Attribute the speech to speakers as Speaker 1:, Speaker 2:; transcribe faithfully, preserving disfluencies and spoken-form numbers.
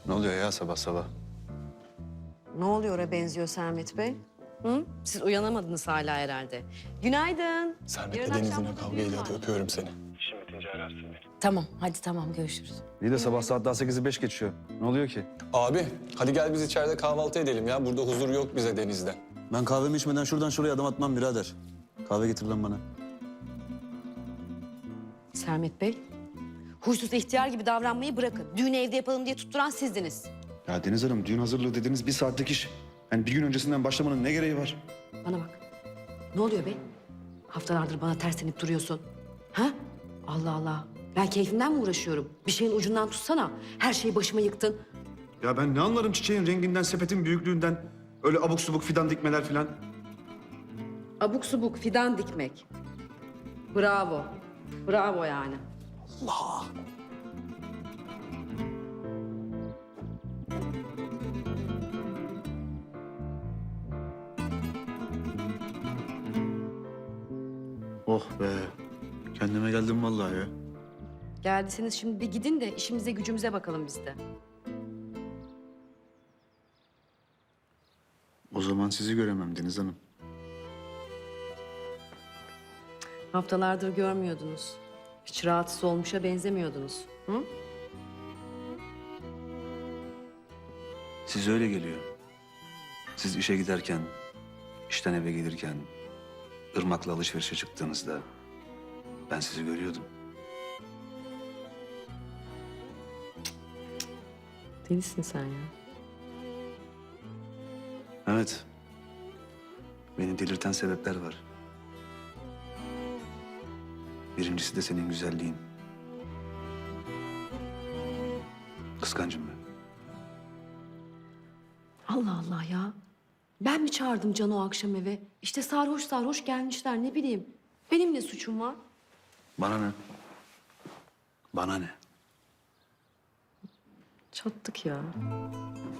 Speaker 1: Ne oluyor ya sabah sabah?
Speaker 2: Ne oluyor'a benziyor Sermet Bey? Hı? Siz uyanamadınız hala herhalde. Günaydın.
Speaker 3: Sermet'le
Speaker 2: Yarın
Speaker 3: Deniz
Speaker 2: akşam
Speaker 3: yine
Speaker 2: burada
Speaker 3: kavga
Speaker 2: düğün
Speaker 3: ediyordu.
Speaker 2: var.
Speaker 3: Öpüyorum seni.
Speaker 4: Tamam, hadi tamam görüşürüz.
Speaker 1: İyi de sabah saat daha sekizi beş geçiyor. Ne oluyor ki?
Speaker 3: Abi hadi gel biz içeride kahvaltı edelim ya. Burada huzur yok bize Deniz'de.
Speaker 5: Ben kahvemi içmeden şuradan şuraya adım atmam birader. Kahve getir lan bana.
Speaker 2: Sermet Bey, huysuz ihtiyar gibi davranmayı bırakın. Düğünü evde yapalım diye tutturan sizdiniz.
Speaker 1: Ya Deniz Hanım düğün hazırlığı dediğiniz bir saatlik iş. Yani bir gün öncesinden başlamanın ne gereği var?
Speaker 2: Bana bak. Ne oluyor be? Haftalardır bana terslenip duruyorsun. Ha? Allah Allah. Ben keyfimden mi uğraşıyorum? Bir şeyin ucundan tutsana. Her şeyi başıma yıktın.
Speaker 1: Ya ben ne anlarım çiçeğin renginden, sepetin büyüklüğünden. Öyle abuk subuk fidan dikmeler filan.
Speaker 2: Abuk subuk fidan dikmek. Bravo. Bravo yani.
Speaker 5: Oh be. Kendime geldim vallahi ya.
Speaker 2: Geldiyseniz şimdi bir gidin de işimize gücümüze bakalım biz de.
Speaker 5: O zaman sizi göremem Deniz Hanım.
Speaker 2: Haftalardır görmüyordunuz. Hiç rahatsız olmuşa benzemiyordunuz. Hı?
Speaker 5: Siz öyle geliyor. Siz işe giderken, işten eve gelirken, Irmak'la alışverişe çıktığınızda ben sizi görüyordum.
Speaker 2: Delisin sen ya.
Speaker 5: Evet. Beni delirten sebepler var. Birincisi de senin güzelliğin. Kıskancım ben.
Speaker 2: Allah Allah ya. Ben mi çağırdım Can'ı o akşam eve? İşte sarhoş sarhoş gelmişler ne bileyim. Benim ne suçum var?
Speaker 5: Bana ne? Bana ne?
Speaker 2: Çattık ya.